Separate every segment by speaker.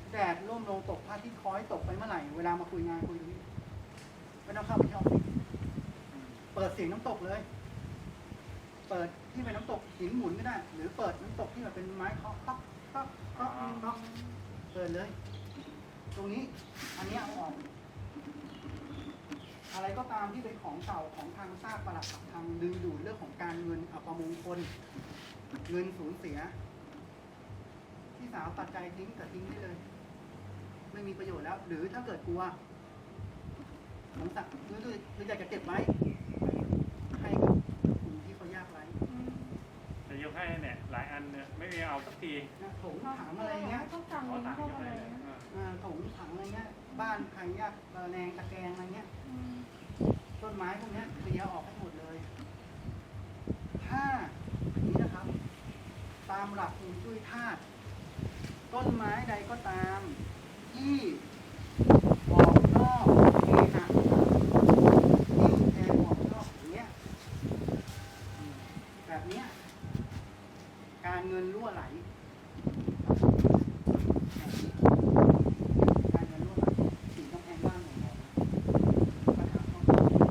Speaker 1: แดดร่มลงตกพระอาทิตย์คอยตกไปเมื่อไหร่เวลามาคุยงานคุยตรงนี้ไม่ต้องเข้าไปที่ออฟฟิศเปิดเสียงน้ำตกเลย เปิดที่เป็นน้ำตกหินหมุนก็ได้หรือเปิดน้ำตกที่แบบเป็นไม้เคาะเคาะเคาะเคาะเคาะเปิดเลย ตรงนี้อันนี้เอาออกอะไรก็ตามที่เป็นของเก่าของทางซากปรักหักพังดึงดูดเรื่องของการเงินอัปมงคลเงินสูญเสียที่สาวตัดใจทิ้งกับทิ้งได้เลยไม่มีประโยชน์แล้วหรือถ้าเกิดกลัวสงสารหรืออยากจะเก็บไว้ให้กับกลุ่มที่เขายากไร้
Speaker 2: จะยกให้เนี่ยหลายอันเนี่ยไม่มีเอาสักที
Speaker 1: ถงถังอะไรเงี้ย
Speaker 3: ต้องสั่งเองพวกอะไร
Speaker 1: ถงถังอะไรเงี้ยบ้านใครยากระแนงตะแกรงอะไรเงี้ยต้นไม้พวกนี้เคลียร์ออกให้หมดเลยถ้าอันนี้นะครับตามหลักฮวงจุ้ยธาตุต้นไม้ใดก็ตามที่ออกนอกเขตที่แทงออกนอกอย่างเงี้ยแบบเนี้ยการเงินรั่วไหลการเงินรั่วไหลสิ่งต้องแพงบ้านของเราปัญหาต้อง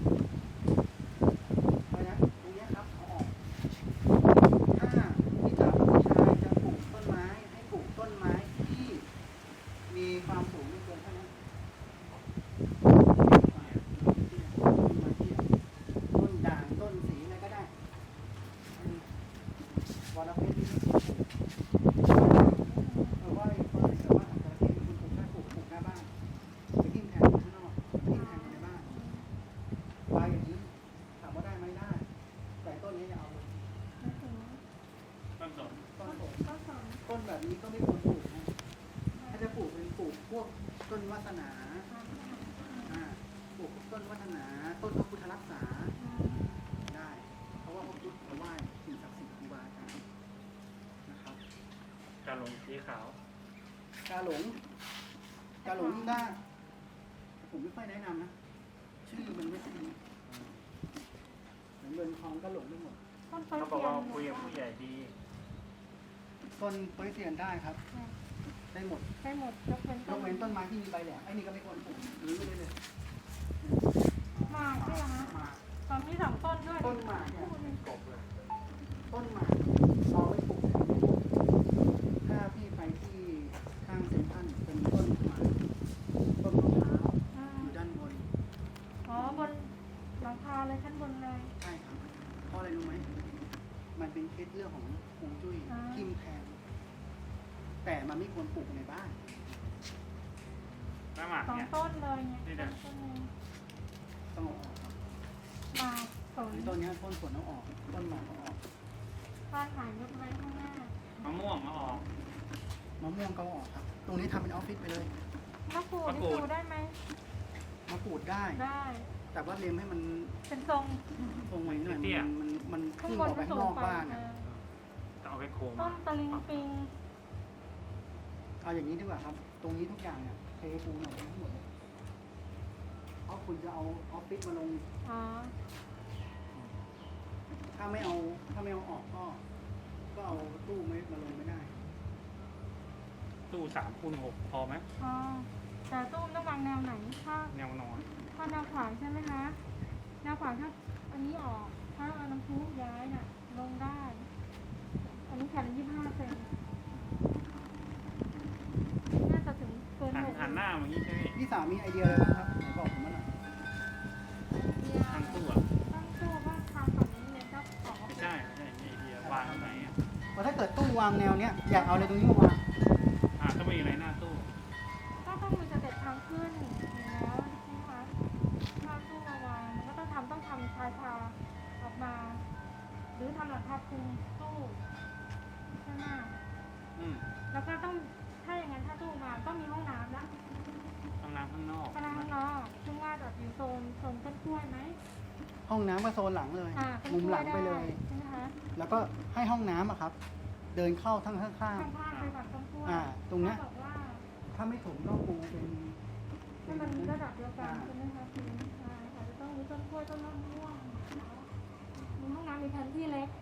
Speaker 1: เพราะฉะนั้นตรงนี้ครับเอาออกถ้าที่จะผู้ชายจะปลูกต้นไม้ให้ปลูกต้นไม้ที่มีความสูงไม่เกินเท่านั้นต้นด่างต้นสีอะไรก็ได้วอลเพชรที่ว่าแต่ว่าอาจจะที่คุณปลูกได้ปลูกหน้าบ้านไปทิ้งแทนข้างนอกไปทิ้งแทนในบ้านใบอย่างนี้ถามว่าได้ไหมได้แต่ต้นนี้จะเอา
Speaker 2: ต้นสน
Speaker 1: ต้นแบบนี้ก็ไม่ควรปลูกนะถ้าจะปลูกเป็นปลูกพวกต้นวาสนาปลูกต้นวาสนาต้นพระพุทธรักษาได้เพราะว่าพระพุทธไหว้สิ่งศักดิ์สิทธิ์ครูบาอาจารย์นะครับ
Speaker 2: กาหลงสีขาว
Speaker 1: กาหลงได้ผมไม่ค่อยแนะนำนะชื่อมันไม่ใช่เหมือนเงินทองก็หลงไปหมด
Speaker 2: เขาบอกว่าคุยกับผู้ใหญ่ดี
Speaker 1: ต้นโพลิเซียนได้ครับได้หมด
Speaker 3: ยกเว้น
Speaker 1: ต้นไม้ที่มีใบแหลมไอ้นี่ก็ไม่ควรปลูกหรือเลย
Speaker 3: หมากใช่ไหมคะตอนนี้2 ต้นด้วย
Speaker 1: ต้นหมากเนี่ยกบเลยต้นหมากเอาไว้ปลูกถ้าพี่ไปที่ข้างเซ็นทรัลเป็นต้นหมากต้นมะพร้าวอยู่ด้านบน
Speaker 3: บนหลังคาเลยชั้นบนเลย
Speaker 1: ใช่ครับเพราะอะไรรู้ไหมมันเป็นเคล็ดเรื่องของฮวงจุ้ยทิมแทงแต่มันไม่ควรปลูกในบ้าน
Speaker 3: 2 ต้นเลยเนี่ย
Speaker 1: ต้องออกครับ
Speaker 3: หมากสน
Speaker 1: ต้นนี้ต้นสนต้องออกต้นหมากต้องออก
Speaker 3: บ้านหายยกไว้ข้างหน้าม
Speaker 2: ะม่วงมาออก
Speaker 1: มะม่วงก็ออกครับตรงนี้ทำเป็นออฟฟิศไปเลย
Speaker 3: มะกรูดนี่ดูได้ไหม
Speaker 1: มะกรูดได้แต่ว่าเล็มให้มัน
Speaker 3: เป็นทรง
Speaker 1: ไว้หน่อยมันขึ้นออกไปข้างนอกบ้าน
Speaker 2: เอาไปโค้ง
Speaker 3: ต้นตะลิงปิง
Speaker 1: เอาอย่างนี้ดีกว่าครับตรงนี้ทุกอย่างเนี่ยเทปูหน่อยทั้งหมดเพราะคุณจะเอาออฟฟิศมาลงถ้าไม่เอาออกก็เอาตู้มาลงไม่ได้
Speaker 2: ตู้3x6พอไหม
Speaker 3: แต่ตู้ต้องวางแนวไหนถ้า
Speaker 2: แนวนอน
Speaker 3: ถ้าแนวขวางใช่ไหมคะแนวขวางถ้าอันนี้ออกถ้าเอาน้ำพุย้ายน่ะลงได้อันนี้แผ่น25 เซนน่าจะถึงเกิน
Speaker 2: หันหน้าอย่างนี้ใช่ไหม
Speaker 1: พี่สาวมีไอเดียอะไรบ้างครับไหนบอกผมมาหน่อย
Speaker 2: ตั้งตู้
Speaker 3: ก็ทำแบบนี้เลยก็ขอ
Speaker 2: ไม่ใช่ไอเดียวางตรงไหน
Speaker 1: เพราะถ้าเกิดตู้วางแนวเนี้ยอยากเอาอะไรตรงนี้มาวาง
Speaker 2: ต้องมีอะไรหน้าตู้
Speaker 3: ก็ต้องมีสเต็ปทางขึ้นอยู่แล้วใช่ไหมคะถ้าตู้มาวางมันก็ต้องทำชายคาออกมาหรือทำหลังคาคลุมตู้ใช่ไหมแล้วก็ต้องถ้าอย่างนั้นถ้าตู้มาต้องมีห้องน้ำแล้ว
Speaker 2: ห้องน้ำข้างนอก
Speaker 3: ซึ่งว่าจะอยู่โซนต้นกล้วยไหม
Speaker 1: ห้องน้ำก็โซนหลังเลยมุมหลังไปเลย
Speaker 3: ใช่ไหมคะ
Speaker 1: แล้วก็ให้ห้องน้ำอะครับเดินเข้าทั้งข้าง
Speaker 3: ไปฝั่งต้นกล้วย
Speaker 1: ตรงนี้ถ้าไม่ถูกต้องปูเป็น
Speaker 3: ให้มันระดับเดียวกันใช่ไหมคะอาจจะต้องมีต้นกล้วยต้นมะม่วงมีห้องน้ำมีแผนที่เล็ก